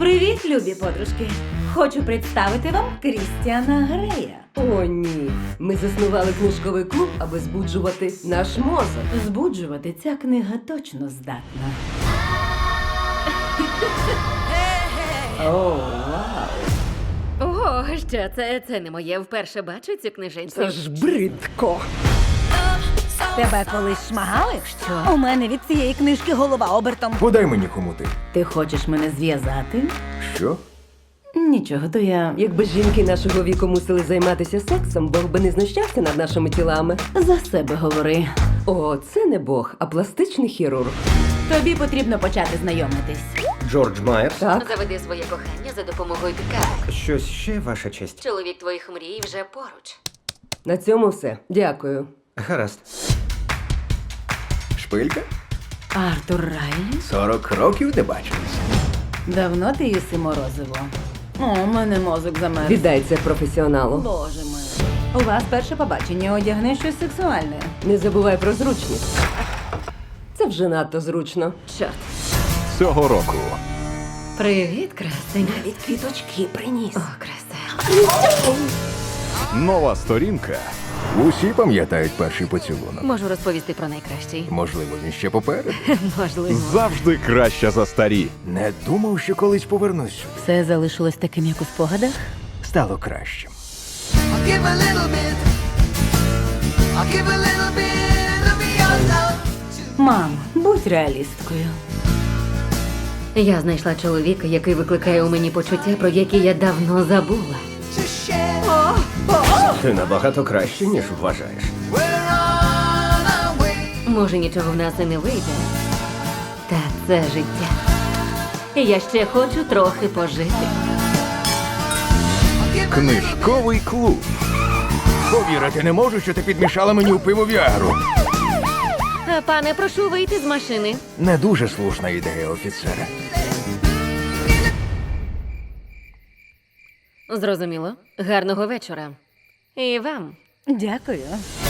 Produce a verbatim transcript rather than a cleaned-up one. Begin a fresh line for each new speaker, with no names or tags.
Привіт, любі подружки! Хочу представити вам Крістіана Грея.
О, ні. Ми заснували книжковий клуб, аби збуджувати наш мозок.
Збуджувати ця книга точно здатна.
О, вау.
Ого, що це? Це не моє. Вперше бачу цю книженцю.
Це ж бридко.
Тебе колись шмагали?
Що?
У мене від цієї книжки голова обертом.
Подай мені хомути.
Ти хочеш мене зв'язати?
Що?
Нічого, то я
Якби жінки нашого віку мусили займатися сексом, Бог би не знущався над нашими тілами.
за себе говори.
О, це не Бог, а пластичний хірург.
Тобі потрібно почати знайомитись.
Джордж Майерс.
Так?
Заведи своє кохання за допомогою підказок.
Щось ще, ваша честь.
Чоловік твоїх мрій вже поруч.
На цьому все. Дякую.
Гаразд. Шпилька?
Артур Райлі?
Сорок років не бачились.
Давно ти їси морозиво? О, у мене мозок замерз.
Віддай це професіоналу.
Боже мій. У вас перше побачення, одягни щось сексуальне.
Не забувай про зручність. Це вже надто зручно.
Чорт.
Цього року
Привіт, красень.
Навіть квіточки приніс.
О, краса.
нова сторінка
Усі пам'ятають перший поцілунок.
Можу розповісти про найкращий.
Можливо, він ще попереду.
Можливо.
завжди краща за старі.
Не думав, що колись повернусь сюди.
Все залишилось таким, як у спогадах?
Стало кращим.
I'll give a little bit. I'll give a little bit of me your love.
Мам, будь реалісткою.
Я знайшла чоловіка, який викликає у мені почуття, про які я давно забула.
To share.
Ти набагато краще, ніж вважаєш.
We're on our way.
Може, нічого в нас і не вийде. Та це життя. І я ще хочу трохи пожити.
I'll give a little
Книжковий клуб.
Повірити не можу, що ти підмішала мені у пиво Віагру.
Е, Пане, прошу вийти з машини.
Не дуже слушна ідея, офіцера.
Зрозуміло. Гарного вечора. І вам.
Дякую.